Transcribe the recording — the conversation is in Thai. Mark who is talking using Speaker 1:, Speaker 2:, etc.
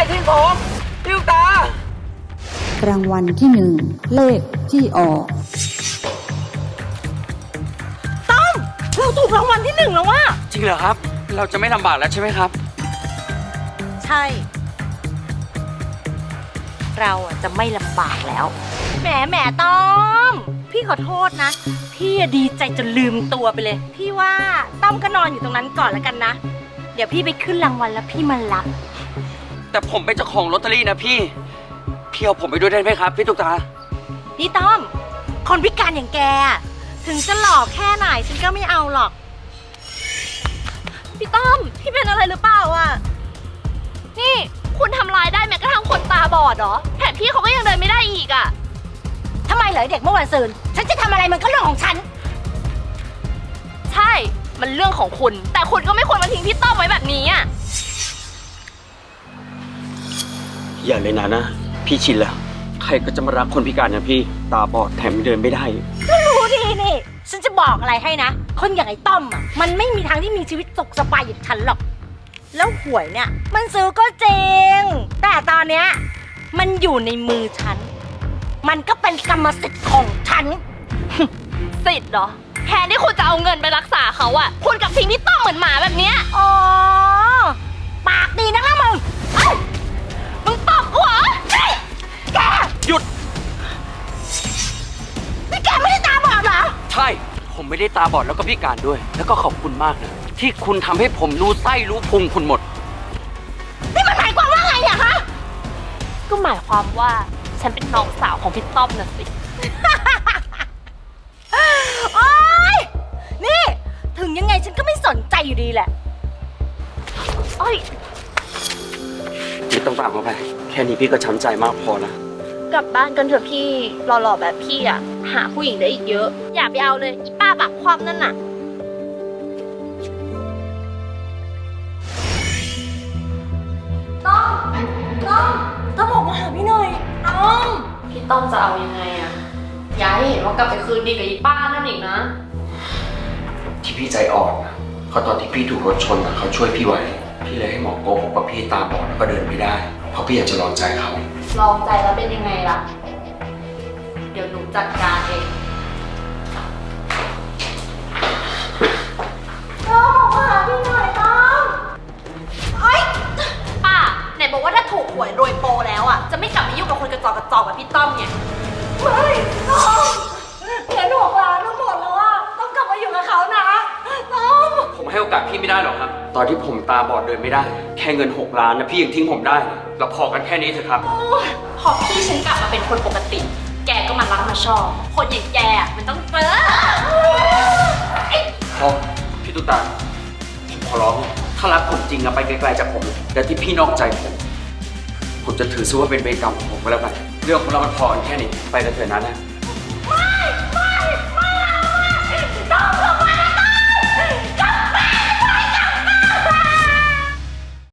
Speaker 1: ทิ้งผมพี่ลูกตาร
Speaker 2: างวัลที่หนึ่งเลขที่ออก
Speaker 3: ต้อมเราถูกรางวัลที่หนึ่งแล้วว่ะ
Speaker 1: จริงเหรอครับเราจะไม่ลำบากแล้วใช่ไหมครับ
Speaker 3: ใช่เราจะไม่ลำบากแล้วแหมต้อมพี่ขอโทษนะพี่ดีใจจนลืมตัวไปเลยพี่ว่าต้อมก็นอนอยู่ตรงนั้นก่อนแล้วกันนะเดี๋ยวพี่ไปขึ้นรางวัลแล้วพี่มารับ
Speaker 1: แต่ผมเป็นเจ้าของลอตเตอรี่นะพี่เอาผมไปด้วยได้ไหมครับพี่ตุ๊กตา
Speaker 3: นี่ต้อมคนพิการอย่างแกถึงจะหล่อแค่ไหนฉันก็ไม่เอาหรอกพี่ต้อมพี่เป็นอะไรหรือเปล่าอ่ะ
Speaker 4: นี่คุณทำลายได้แม้กระทั่งคนตาบอดเหรอแถมพี่เขาก็ยังเดินไม่ได้อีกอ่ะ
Speaker 3: ทำไมเหรอเด็กเมื่อวันซืนฉันจะทำอะไรมันก็เรื่องของฉัน
Speaker 4: ใช่มันเรื่องของคุณแต่คุณก็ไม่ควรมาทิ้งพี่ต้อมไว้แบบนี้อ่ะ
Speaker 1: อย่าเลยนะพี่ชินแล้วใครก็จะมารักคนพิการอย่างพี่ตาบอดแถมเดินไม่ได้
Speaker 3: ก็รู้ดีนี่ฉันจะบอกอะไรให้นะคนอย่างไอ้ต้อมอ่ะมันไม่มีทางที่มีชีวิตสุขสบายอย่างฉันหรอกแล้วหวยเนี่ยมันซื้อก็จริงแต่ตอนเนี้ยมันอยู่ในมือฉันมันก็เป็นกรรมสิทธิ์ของฉัน
Speaker 4: สิทธิ์เหรอแทนที่คุณจะเอาเงินไปรักษาเขาอ่ะคุณกับทิ้งพี่ต้อมเหมือนหมาแบบเนี้ย
Speaker 3: อ๋อปากดีนักนะมึงตบกูเหรอแก
Speaker 1: หยุด
Speaker 3: นี่แกไม่ได้ตาบอดเหรอ
Speaker 1: ใช่ผมไม่ได้ตาบอดแล้วก็พิการด้วยแล้วก็ขอบคุณมากนะที่คุณทำให้ผมรู้ไส้รู้พุงคุณหมด
Speaker 3: นี่มันหมายความว่าไงอะคะ
Speaker 4: ก็หมายความว่าฉันเป็นน้องสาวของพี่ต้อมน่ะสิ
Speaker 3: โอ๊ยนี่ถึงยังไงฉันก็ไม่สนใจอยู่ดีแหละ
Speaker 4: โอ๊ย
Speaker 1: ไม่ต้องตามเขาไปแค่นี้พี่ก็ช้ำใจมากพอแล้ว
Speaker 4: กลับบ้านกันเถอะพี่หล่อๆแบบพี่อ่ะหาผู้หญิงได้อีกเยอะอย่าไปเอาเลยอีป้าปากคว่ำนั่นน่ะ
Speaker 3: ต้องบอกมาหาพี่หน่อยต้อม
Speaker 4: พี่ต้อมจะเอายังไงอ่ะอย่าให้เห็นว่ากลับไปคืนดีกับอีป้านั่นอีกนะ
Speaker 1: ที่พี่ใจอ่อนนะเพราะตอนที่พี่ถูกรถชนนะเขาช่วยพี่ไว้พี่เลยให้หมอโกหกว่าพี่ตาบอดแล้วก็เดินไม่ได้เพราะพี่อยากจะลองใจเขา
Speaker 4: ลองใจแล้วเป็นยังไงล่ะเดี๋ยวหนูจัดการเอง
Speaker 3: ต้องมาหาพี่หน่อยต้อมเอ้ย
Speaker 4: ป้าไหนบอกว่าถ้าถูกหวยรวยโปแล้วอ่ะจะไม่กลับมายุ่งกับคนกระจอกแบบพี่ต้อมไง
Speaker 3: ไม่ต้อมเงิน6 ล้านทั้งหมดแล้วอ่ะต้องกลับมาอยู่กับเขานะต้อม
Speaker 1: ผมให้โอกาสพี่ไม่ได้หรอกครับตอนที่ผมตาบอดเดินไม่ได้แค่เงิน6 ล้านนะพี่ยังทิ้งผมได้เราพอกันแค่นี้เถอะครับ
Speaker 4: พอพี่ฉันกลับมาเป็นคนปกติแกก็มารักมาชอบคนอย่างแกมันต้องเจอ
Speaker 1: พอพี่ตุ๊กตาผมขอร้องถ้ารักผมจริงอะไปไกลๆจากผมและที่พี่นอกใจผมจะถือซะว่าเป็นเวรกรรมของผมก็แล้วกันเรื่องของเรามันพอกันแค่นี้ไปกันเถอะนะ
Speaker 3: ไม่